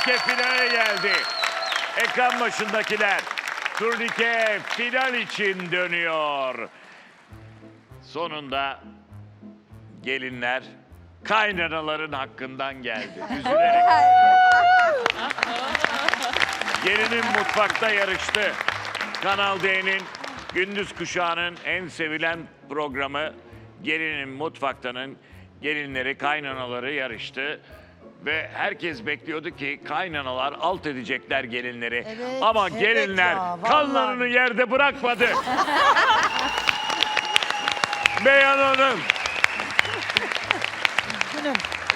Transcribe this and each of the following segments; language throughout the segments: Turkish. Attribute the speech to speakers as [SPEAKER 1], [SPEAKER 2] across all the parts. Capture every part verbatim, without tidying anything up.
[SPEAKER 1] Turnike finale geldi. Ekran başındakiler, turnike final için dönüyor. Sonunda gelinler kaynanaların hakkından geldi. Üzülerek. Gelinin mutfakta yarıştı. Kanal D'nin gündüz kuşağının en sevilen programı Gelinin Mutfakta'nın gelinleri, kaynanaları yarıştı. Ve herkes bekliyordu ki kaynanalar alt edecekler gelinleri.
[SPEAKER 2] Evet,
[SPEAKER 1] Ama
[SPEAKER 2] evet
[SPEAKER 1] gelinler
[SPEAKER 2] ya, vallahi.
[SPEAKER 1] kanlarını yerde bırakmadı. Beyhan Hanım,
[SPEAKER 2] Günüm.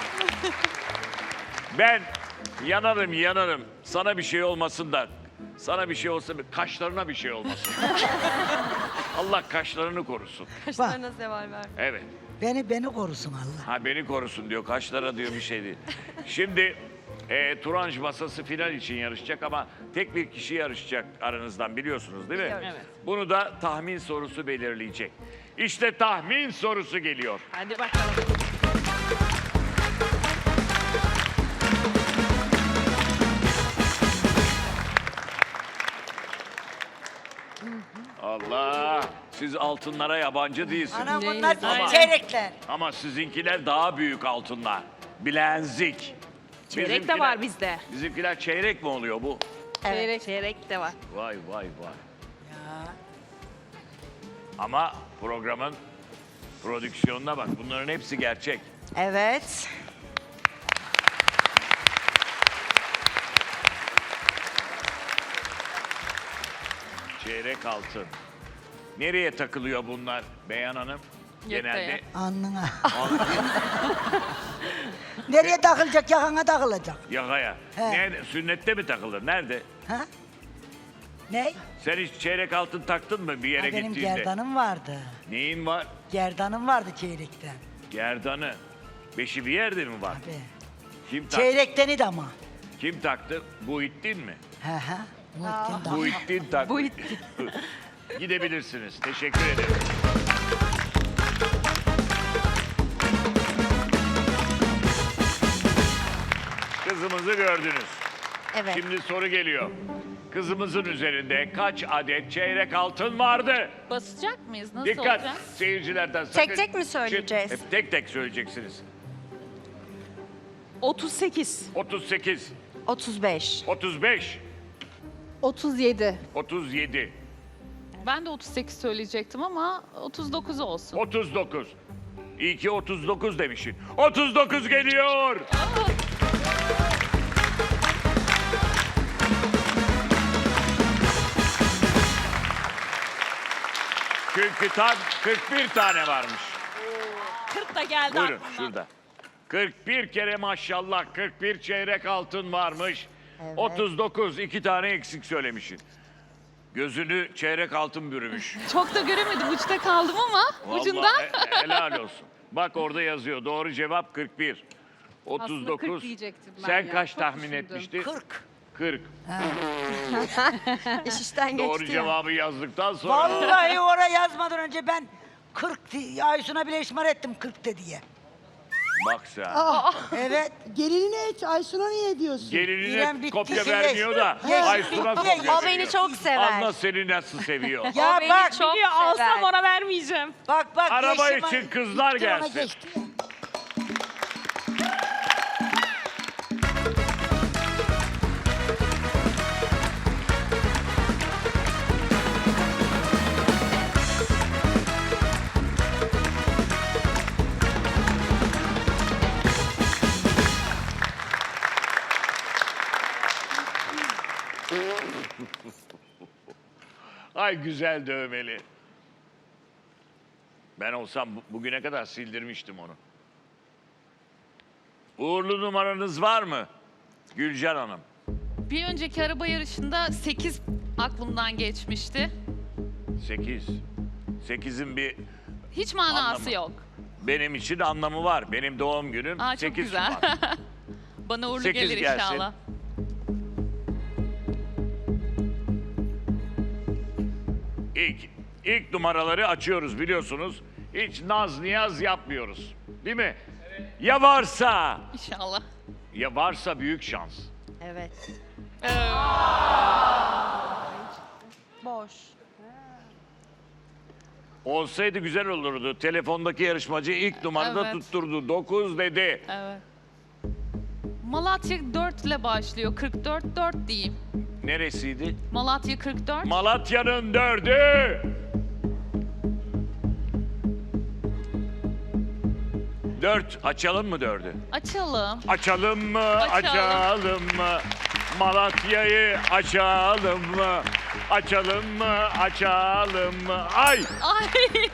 [SPEAKER 1] ben yanarım yanarım. Sana bir şey olmasın da, sana bir şey olsa kaşlarına bir şey olmasın. Allah kaşlarını korusun.
[SPEAKER 3] Kaşlarına zeval ver.
[SPEAKER 1] Evet.
[SPEAKER 2] Beni beni korusun Allah.
[SPEAKER 1] Ha beni korusun diyor. Kaşlara diyor bir şey değil. Şimdi e, Turanj masası final için yarışacak ama tek bir kişi yarışacak aranızdan biliyorsunuz değil mi?
[SPEAKER 3] Biliyoruz.
[SPEAKER 4] Evet.
[SPEAKER 1] Bunu da tahmin sorusu belirleyecek. İşte tahmin sorusu geliyor.
[SPEAKER 4] Hadi bakalım.
[SPEAKER 1] Allah! Siz altınlara yabancı değilsiniz.
[SPEAKER 2] Anam
[SPEAKER 3] Neyiniz
[SPEAKER 2] bunlar
[SPEAKER 3] var?
[SPEAKER 2] bizim çeyrekler.
[SPEAKER 1] Ama sizinkiler daha büyük altınlar. Bilezik.
[SPEAKER 4] Çeyrek de var bizde.
[SPEAKER 1] Bizimkiler çeyrek mi oluyor bu?
[SPEAKER 4] Çeyrek. Çeyrek de var.
[SPEAKER 1] Vay vay vay.
[SPEAKER 2] Ya.
[SPEAKER 1] Ama programın prodüksiyonuna bak. Bunların hepsi gerçek.
[SPEAKER 3] Evet.
[SPEAKER 1] Çeyrek altın. Nereye takılıyor bunlar Beyhan Hanım? Genelde
[SPEAKER 2] Alnına. Nereye takılacak? Yakana takılacak.
[SPEAKER 1] yakaya.
[SPEAKER 2] He.
[SPEAKER 1] Nerede? Sünnette mi takılır? Nerede?
[SPEAKER 2] Ha? Ne?
[SPEAKER 1] Sen hiç çeyrek altın taktın mı bir yere
[SPEAKER 2] Ha, benim
[SPEAKER 1] gittiğinde?
[SPEAKER 2] gerdanım vardı.
[SPEAKER 1] Neyin var?
[SPEAKER 2] Gerdanım vardı çeyrekten.
[SPEAKER 1] Gerdanı. Beşi bir yerde mi var?
[SPEAKER 2] Abi.
[SPEAKER 1] Kim taktı?
[SPEAKER 2] Çeyrekten idi ama.
[SPEAKER 1] Kim taktı? Buhittin mi?
[SPEAKER 2] He he. Muhittin de.
[SPEAKER 1] Buhittin taktı.
[SPEAKER 3] Buhittin.
[SPEAKER 1] Gidebilirsiniz. Teşekkür ederim. Kızımızı gördünüz.
[SPEAKER 3] Evet.
[SPEAKER 1] Şimdi soru geliyor. Kızımızın üzerinde kaç adet çeyrek altın vardı?
[SPEAKER 4] Basacak mıyız? Nasıl
[SPEAKER 1] Dikkat
[SPEAKER 4] olacak?
[SPEAKER 1] seyircilerden
[SPEAKER 3] Tek
[SPEAKER 1] sakın-
[SPEAKER 3] tek mi söyleyeceğiz?
[SPEAKER 1] Hep tek tek söyleyeceksiniz.
[SPEAKER 4] otuz sekiz.
[SPEAKER 1] otuz sekiz,
[SPEAKER 3] otuz beş.
[SPEAKER 1] otuz beş,
[SPEAKER 5] otuz yedi.
[SPEAKER 1] otuz yedi,
[SPEAKER 4] Ben de otuz sekiz söyleyecektim ama otuz dokuz olsun.
[SPEAKER 1] otuz dokuz. İyi ki otuz dokuz demişsin. otuz dokuz geliyor. Çünkü tam kırk bir tane varmış.
[SPEAKER 4] kırk da geldi
[SPEAKER 1] Buyurun
[SPEAKER 4] aklımdan.
[SPEAKER 1] şurada. kırk bir kere maşallah kırk bir çeyrek altın varmış. otuz dokuz iki tane eksik söylemişsin. Gözünü çeyrek altın bürümüş.
[SPEAKER 4] Çok da göremedim. Uçta kaldım ama ucundan.
[SPEAKER 1] Vallahi he- helal olsun. Bak orada yazıyor. Doğru cevap kırk bir. otuz dokuz.
[SPEAKER 5] kırk diyecektim ben
[SPEAKER 1] Sen
[SPEAKER 5] ya.
[SPEAKER 1] kaç
[SPEAKER 5] Çok
[SPEAKER 1] tahmin
[SPEAKER 5] düşündüm.
[SPEAKER 1] etmiştin?
[SPEAKER 2] kırk.
[SPEAKER 1] kırk.
[SPEAKER 3] İş işten geçti
[SPEAKER 1] Doğru
[SPEAKER 3] ya.
[SPEAKER 1] cevabı yazdıktan sonra.
[SPEAKER 2] Vallahi oraya yazmadan önce ben kırk di- Aysun'a bile işmar ettim kırk de diye.
[SPEAKER 1] Bak sen.
[SPEAKER 2] Evet.
[SPEAKER 5] Gelinine hiç Aysun'a niye diyorsun?
[SPEAKER 2] İrem
[SPEAKER 1] Gelinine
[SPEAKER 2] bitti,
[SPEAKER 1] kopya
[SPEAKER 2] geçti.
[SPEAKER 1] vermiyor da
[SPEAKER 2] Geçti,
[SPEAKER 1] Aysun'a
[SPEAKER 2] bitti.
[SPEAKER 1] kopya
[SPEAKER 3] O beni
[SPEAKER 1] veriyor.
[SPEAKER 3] çok sever.
[SPEAKER 1] Anla seni nasıl seviyor.
[SPEAKER 2] Ya
[SPEAKER 3] O beni
[SPEAKER 2] bak,
[SPEAKER 3] çok
[SPEAKER 4] Biliyor, alsam
[SPEAKER 3] sever.
[SPEAKER 4] ona vermeyeceğim.
[SPEAKER 2] bak bak.
[SPEAKER 1] Araba
[SPEAKER 2] geçti
[SPEAKER 1] için
[SPEAKER 2] bana-
[SPEAKER 1] kızlar
[SPEAKER 2] gitti, ona
[SPEAKER 1] gelsin.
[SPEAKER 2] geçti.
[SPEAKER 1] Ay güzel dövmeli. Ben olsam bu- bugüne kadar sildirmiştim onu. Uğurlu numaranız var mı? Gülcan Hanım.
[SPEAKER 4] Bir önceki araba yarışında sekiz aklımdan geçmişti.
[SPEAKER 1] Sekiz. Sekizin bir
[SPEAKER 4] Hiç manası
[SPEAKER 1] Anlamı.
[SPEAKER 4] yok.
[SPEAKER 1] benim için anlamı var. Benim doğum günüm
[SPEAKER 4] Aa, çok
[SPEAKER 1] sekiz
[SPEAKER 4] güzel.
[SPEAKER 1] Şubat.
[SPEAKER 4] Bana uğurlu
[SPEAKER 1] Sekiz
[SPEAKER 4] gelir
[SPEAKER 1] gelsin.
[SPEAKER 4] inşallah.
[SPEAKER 1] İlk, ilk numaraları açıyoruz biliyorsunuz. Hiç naz niyaz yapmıyoruz. Değil mi? Ya varsa,
[SPEAKER 4] İnşallah.
[SPEAKER 1] ya varsa büyük şans.
[SPEAKER 3] Evet.
[SPEAKER 4] Ee,
[SPEAKER 3] Boş.
[SPEAKER 1] Olsaydı güzel olurdu. Telefondaki yarışmacı ilk numarada
[SPEAKER 4] Evet.
[SPEAKER 1] tutturdu. dokuz dedi.
[SPEAKER 4] evet. Malatya dört ile başlıyor. kırk dört, dört diyeyim.
[SPEAKER 1] Neresiydi?
[SPEAKER 4] Malatya kırk dört.
[SPEAKER 1] Malatya'nın dördü. Dört. Açalım mı dördü?
[SPEAKER 4] Açalım.
[SPEAKER 1] Açalım mı?
[SPEAKER 4] Açalım.
[SPEAKER 1] Açalım mı? Malatya'yı açalım mı? Açalım mı? Açalım mı? Ay!
[SPEAKER 4] Ay.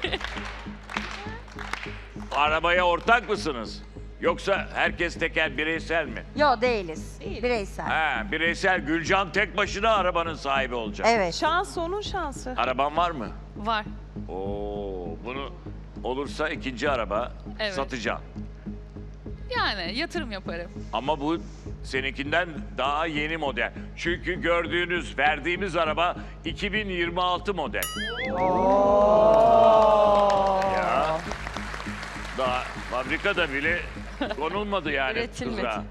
[SPEAKER 1] Arabaya ortak mısınız? Yoksa herkes teker bireysel mi?
[SPEAKER 3] Yo değiliz. Bireysel.
[SPEAKER 1] Ha, bireysel. Gülcan tek başına arabanın sahibi olacak.
[SPEAKER 3] Evet.
[SPEAKER 6] Şans onun şansı.
[SPEAKER 1] Araban var mı?
[SPEAKER 4] Var.
[SPEAKER 1] Oo, bunu olursa ikinci araba
[SPEAKER 4] Evet.
[SPEAKER 1] satacağım.
[SPEAKER 4] Yani yatırım yaparım.
[SPEAKER 1] Ama bu seninkinden daha yeni model. Çünkü gördüğünüz, verdiğimiz araba iki bin yirmi altı model. Ya. Daha fabrikada bile konulmadı yani
[SPEAKER 4] Üretilmedi.
[SPEAKER 1] tuzağa.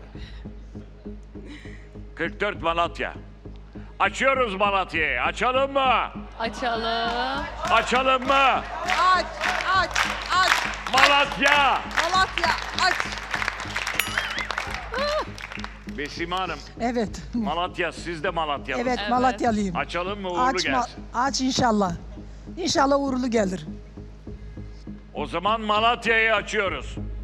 [SPEAKER 1] kırk dört Malatya. Açıyoruz Malatya'yı. Açalım mı?
[SPEAKER 4] Açalım.
[SPEAKER 1] Açalım mı?
[SPEAKER 5] Aç, aç, aç.
[SPEAKER 1] Malatya!
[SPEAKER 5] Malatya, aç.
[SPEAKER 1] Besime Hanım,
[SPEAKER 7] Evet.
[SPEAKER 1] Malatya, siz de Malatyalısınız.
[SPEAKER 7] Evet, Malatyalıyım.
[SPEAKER 1] Açalım mı uğurlu
[SPEAKER 7] Aç, ma-
[SPEAKER 1] gelsin.
[SPEAKER 7] aç inşallah. İnşallah uğurlu gelir.
[SPEAKER 1] O zaman Malatya'yı açıyoruz.